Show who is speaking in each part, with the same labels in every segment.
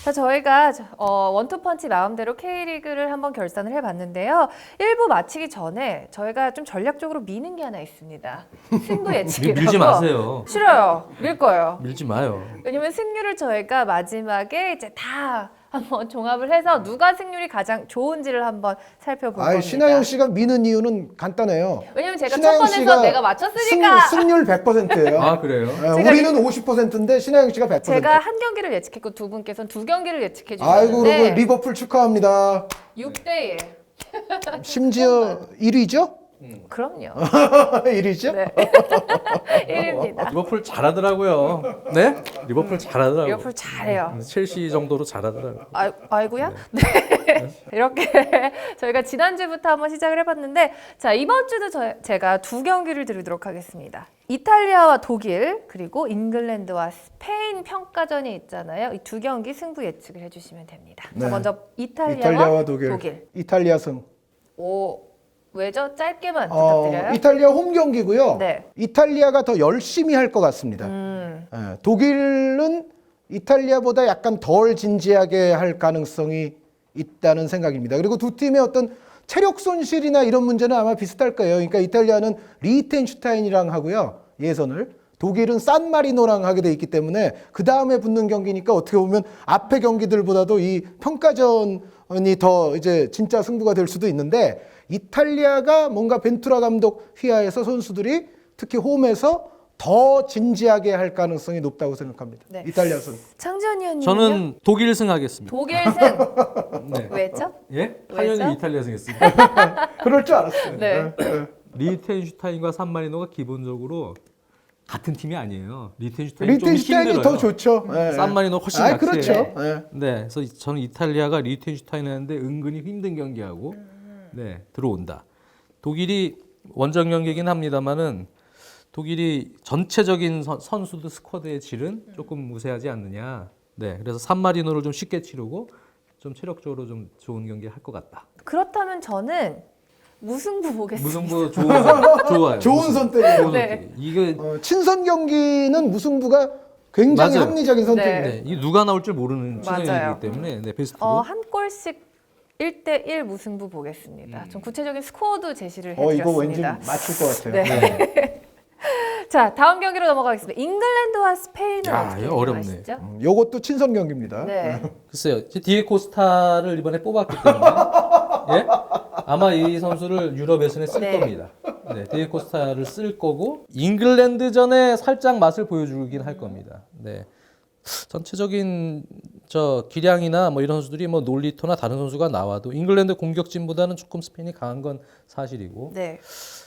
Speaker 1: 자, 저희가 원투펀치 마음대로 K리그를 한번 결산을 해봤는데요. 1부 마치기 전에 저희가 좀 전략적으로 미는 게 하나 있습니다. 승부 예측이라고.
Speaker 2: 밀지 마세요.
Speaker 1: 싫어요. 밀 거예요.
Speaker 2: 밀지 마요.
Speaker 1: 왜냐면 승률을 저희가 마지막에 이제 다 한번 종합을 해서 누가 승률이 가장 좋은지를 한번 살펴볼 겁니다.
Speaker 3: 신하영 씨가 미는 이유는 간단해요.
Speaker 1: 왜냐면 제가 첫
Speaker 3: 신하영
Speaker 1: 번에서
Speaker 3: 씨가
Speaker 1: 내가 맞췄으니까.
Speaker 3: 승률 100%예요.
Speaker 2: 아 그래요?
Speaker 3: 우리는 50%인데 신하영 씨가 100%.
Speaker 1: 제가 한 경기를 예측했고 두 분께서는 두 경기를 예측해
Speaker 3: 아이고
Speaker 1: 주셨는데
Speaker 3: 그리고 리버풀 축하합니다.
Speaker 1: 6대1.
Speaker 3: 심지어 1위죠?
Speaker 1: 그럼요.
Speaker 3: 1위죠?
Speaker 1: 네. 1위입니다.
Speaker 2: 리버풀 잘하더라고요. 네? 리버풀 잘하더라고요.
Speaker 1: 리버풀 잘해요.
Speaker 2: 첼시 정도로 잘하더라고요.
Speaker 1: 아이고야? 네. 이렇게 저희가 지난주부터 한번 시작을 해봤는데, 자, 이번 주도 제가 두 경기를 드리도록 하겠습니다. 이탈리아와 독일, 그리고 잉글랜드와 스페인 평가전이 있잖아요. 이 두 경기 승부 예측을 해주시면 됩니다.
Speaker 3: 네.
Speaker 1: 자, 먼저
Speaker 3: 이탈리아와 독일. 이탈리아 승.
Speaker 1: 왜죠? 짧게만 부탁드려요.
Speaker 3: 이탈리아 홈 경기고요.
Speaker 1: 네.
Speaker 3: 이탈리아가 더 열심히 할 것 같습니다. 독일은 이탈리아보다 약간 덜 진지하게 할 가능성이 있다는 생각입니다. 그리고 두 팀의 어떤 체력 손실이나 이런 문제는 아마 비슷할 거예요. 그러니까 이탈리아는 리히텐슈타인이랑 하고요. 예선을. 독일은 산마리노랑 하게 돼 있기 때문에 그 다음에 붙는 경기니까 어떻게 보면 앞의 경기들보다도 이 평가전이 더 이제 진짜 승부가 될 수도 있는데, 이탈리아가 뭔가 벤투라 감독 휘하에서 선수들이 특히 홈에서 더 진지하게 할 가능성이 높다고 생각합니다.
Speaker 1: 네.
Speaker 3: 이탈리아 승.
Speaker 1: 창지현 의원님은요?
Speaker 2: 저는 독일 승하겠습니다.
Speaker 1: 독일 승.
Speaker 2: 네.
Speaker 1: 왜죠?
Speaker 2: 예?
Speaker 1: 왜죠?
Speaker 2: 당연히 이탈리아 승했습니다.
Speaker 3: 그럴 줄 알았어요.
Speaker 1: 네.
Speaker 2: 리히텐슈타인과 산마리노가 기본적으로 같은 팀이 아니에요. 리히텐슈타인이 좀
Speaker 3: 리히텐슈타인이
Speaker 2: 힘들어요.
Speaker 3: 더 좋죠.
Speaker 2: 산마리노 훨씬
Speaker 3: 아,
Speaker 2: 약해요.
Speaker 3: 그렇죠.
Speaker 1: 네.
Speaker 2: 네, 그래서 저는 이탈리아가 리히텐슈타인 하는데 은근히 힘든 경기하고 들어온다. 독일이 원정 경기이긴 합니다만은 독일이 전체적인 선수들 스쿼드의 질은 조금 우세하지 않느냐. 네, 그래서 산마리노를 좀 쉽게 치르고 좀 체력적으로 좀 좋은 경기 할 것 같다.
Speaker 1: 그렇다면 저는 무승부 보겠습니다.
Speaker 2: 무승부 좋아요.
Speaker 3: 좋은 선택이에요.
Speaker 1: 네.
Speaker 2: 이게
Speaker 3: 친선 경기는 무승부가 굉장히
Speaker 2: 맞아요.
Speaker 3: 합리적인 선택이에요.
Speaker 2: 네, 이 누가 나올 줄 모르는
Speaker 1: 맞아요.
Speaker 2: 친선이기 때문에 베스트로.
Speaker 1: 한 골씩 1대1 무승부 보겠습니다. 좀 구체적인 스코어도 제시를 해드렸습니다.
Speaker 3: 이거 왠지 맞출 것 같아요.
Speaker 1: 네. 자, 다음 경기로 넘어가겠습니다. 잉글랜드와 스페인은 어떻게
Speaker 2: 이거 어렵네.
Speaker 1: 생각하시죠?
Speaker 3: 요것도 친선 경기입니다.
Speaker 1: 네.
Speaker 2: 글쎄요, 디에코스타를 이번에 뽑았기 때문에 예? 아마 이 선수를 유럽 예선에 쓸
Speaker 1: 네.
Speaker 2: 겁니다. 네, 디에코스타를 쓸 거고 잉글랜드전에 살짝 맛을 보여주긴 할 겁니다. 네, 전체적인 기량이나 뭐 이런 선수들이 뭐 놀리토나 다른 선수가 나와도 잉글랜드 공격진보다는 조금 스페인이 강한 건 사실이고
Speaker 1: 네.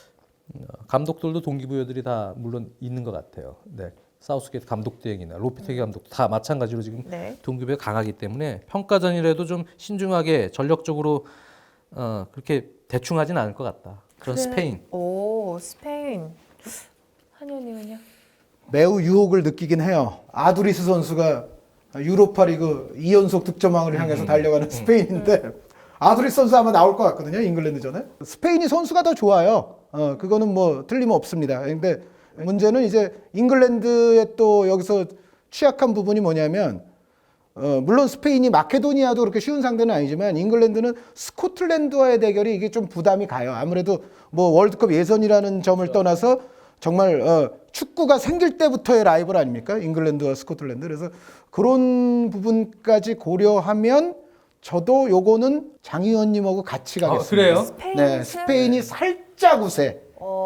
Speaker 2: 감독들도 동기부여들이 다 물론 있는 것 같아요. 네. 사우스게이트 감독 대행이나 로피테기 감독 다 마찬가지로 지금
Speaker 1: 네.
Speaker 2: 동기부여 강하기 때문에 평가전이라도 좀 신중하게 전력적으로 그렇게 대충 하진 않을 것 같다. 그런 스페인.
Speaker 1: 스페인. 한현님은요?
Speaker 3: 매우 유혹을 느끼긴 해요. 아두리스 선수가 유로파리그 2연속 득점왕을 향해서 달려가는 스페인인데 아두리스 선수 아마 나올 것 같거든요. 잉글랜드전에. 스페인이 선수가 더 좋아요. 그거는 뭐 틀림없습니다. 근데 문제는 이제 잉글랜드의 또 여기서 취약한 부분이 뭐냐면 물론 스페인이 마케도니아도 그렇게 쉬운 상대는 아니지만 잉글랜드는 스코틀랜드와의 대결이 이게 좀 부담이 가요. 아무래도 뭐 월드컵 예선이라는 점을 떠나서 정말 축구가 생길 때부터의 라이벌 아닙니까? 잉글랜드와 스코틀랜드. 그래서 그런 부분까지 고려하면 저도 요거는 장 의원님하고 같이 가겠습니다.
Speaker 2: 그래요?
Speaker 1: 스페인
Speaker 3: 네, 스페인이 살짝 우세.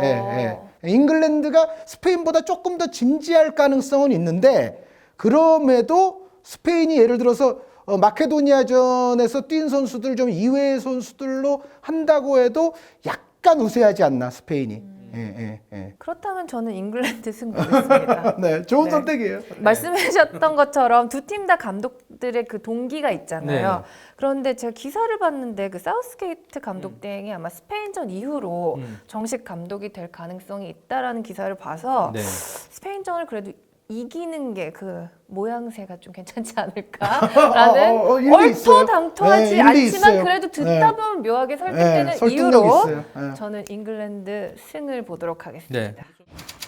Speaker 3: 잉글랜드가 스페인보다 조금 더 진지할 가능성은 있는데, 그럼에도 스페인이 예를 들어서 마케도니아전에서 뛴 선수들 좀 이외의 선수들로 한다고 해도 약간 우세하지 않나 스페인이.
Speaker 1: 그렇다면 저는 잉글랜드 승 보겠습니다.
Speaker 3: 네, 좋은
Speaker 1: 네.
Speaker 3: 선택이에요.
Speaker 1: 말씀하셨던 것처럼 두 팀 다 감독들의 그 동기가 있잖아요.
Speaker 2: 네.
Speaker 1: 그런데 제가 기사를 봤는데 그 사우스게이트 감독 대행이 아마 스페인전 이후로 정식 감독이 될 가능성이 있다라는 기사를 봐서
Speaker 2: 네.
Speaker 1: 스페인전을 그래도 이기는 게 그 모양새가 좀 괜찮지 않을까라는
Speaker 3: 일리 있어요.
Speaker 1: 얼토당토하지
Speaker 3: 네, 일리
Speaker 1: 않지만
Speaker 3: 있어요.
Speaker 1: 그래도 듣다 보면 묘하게 설득되는
Speaker 3: 설득력
Speaker 1: 이유로
Speaker 3: 있어요.
Speaker 1: 저는 잉글랜드 승을 보도록 하겠습니다.
Speaker 2: 네.